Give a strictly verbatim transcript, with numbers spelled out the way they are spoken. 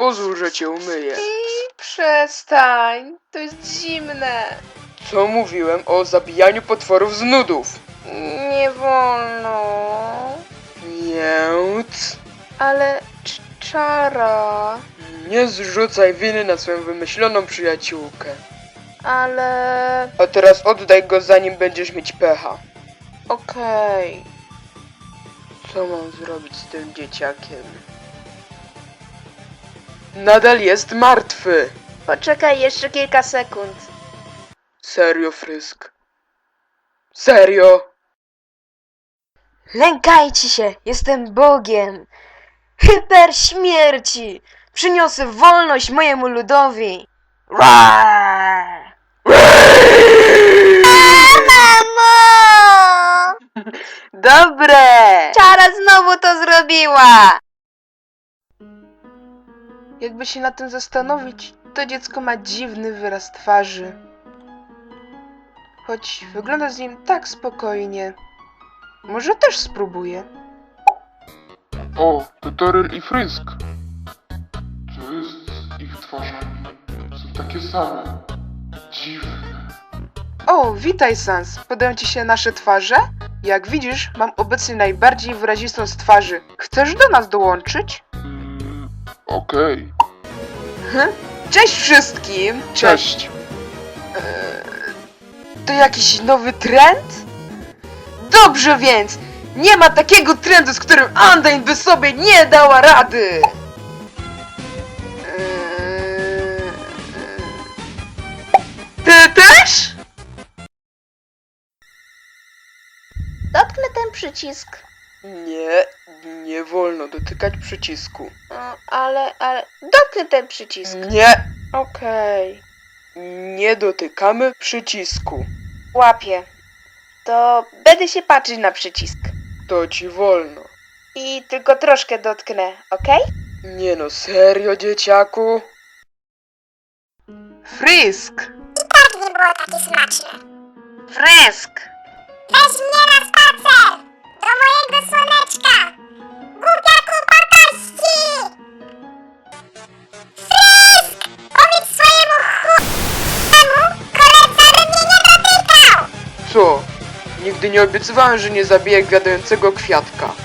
Pozwól, że cię umyję. I przestań, to jest zimne. Co mówiłem o zabijaniu potworów z nudów? Nie wolno. Więc... Ale cz- czara. Nie zrzucaj winy na swoją wymyśloną przyjaciółkę. Ale... A teraz oddaj go, zanim będziesz mieć pecha. Okej. Co mam zrobić z tym dzieciakiem? Nadal jest martwy. Poczekaj jeszcze kilka sekund. Serio, Frysk? Serio? Lękajcie się, jestem Bogiem. Hyper śmierci. Przyniosę wolność mojemu ludowi. Roar! Mamo! Dobre! Czara znowu to zrobiła. Jakby się na tym zastanowić, to dziecko ma dziwny wyraz twarzy. Choć wygląda z nim tak spokojnie. Może też spróbuję. O, to Toryl i Frysk. Co jest z ich twarzami? Są takie same. Dziwne. O, witaj Sans. Podają ci się nasze twarze? Jak widzisz, mam obecnie najbardziej wyrazistą z twarzy. Chcesz do nas dołączyć? Mm, okej. Hm? Cześć wszystkim! Cześć! To jakiś nowy trend? Dobrze więc! Nie ma takiego trendu, z którym Undyne by sobie nie dała rady! Eee, Ty też? Dotknę ten przycisk. Nie, nie wolno dotykać przycisku. Ale, ale... Dotknę ten przycisk. Nie, Okej. nie dotykamy przycisku. Łapię. To będę się patrzeć na przycisk. To ci wolno. I tylko troszkę dotknę, okej? Nie no, serio, dzieciaku? Frysk! Tak nie było takie smaczne. Frysk! Weź mnie na spacer! Do mojego słoneczka! Głupiaku patości! Frysk! Powiedz swojemu ch***emu koledze, by mnie nie dotykał! Co? Nigdy nie obiecywałem, że nie zabiję gwiadującego kwiatka.